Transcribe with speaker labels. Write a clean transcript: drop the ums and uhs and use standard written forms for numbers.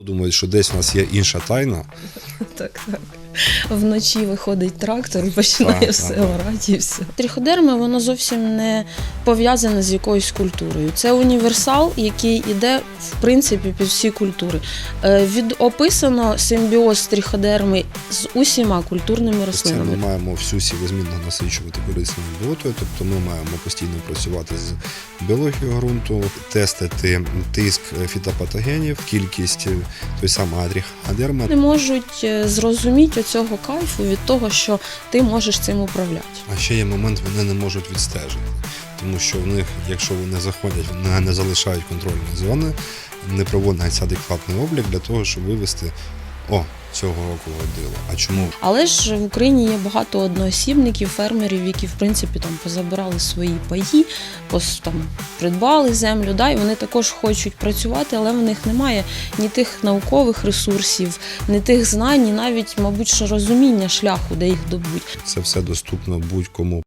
Speaker 1: Думають, що десь у нас є інша тайна.
Speaker 2: Так. Вночі виходить трактор і починає
Speaker 1: Так,
Speaker 2: все
Speaker 1: так.
Speaker 2: орати і все. Тріходерми, воно зовсім не пов'язане з якоюсь культурою. Це універсал, який іде, в принципі, під всі культури. Описано симбіоз тріходерми з усіма культурними
Speaker 1: Це ми
Speaker 2: рослинами.
Speaker 1: маємо всю сівозмінно насичувати корисною білотою, тобто ми маємо постійно працювати з біологією ґрунту, тестити тиск фітопатогенів, кількість той самої тріходерми.
Speaker 2: Не можуть зрозуміти оцього кайфу від того, що ти можеш цим управляти.
Speaker 1: А ще є момент, вони не можуть відстежити, тому що в них, якщо вони заходять, вони не залишають контрольні зони, не проводиться адекватний облік для того, щоб вивести цього року водило. А чому?
Speaker 2: Але ж в Україні є багато одноосібників, фермерів, які в принципі там позабирали свої паї, там придбали землю, і вони також хочуть працювати, але в них немає ні тих наукових ресурсів, ні тих знань, ні навіть, мабуть, що розуміння шляху, де їх добуть.
Speaker 1: Це все доступно будь-кому.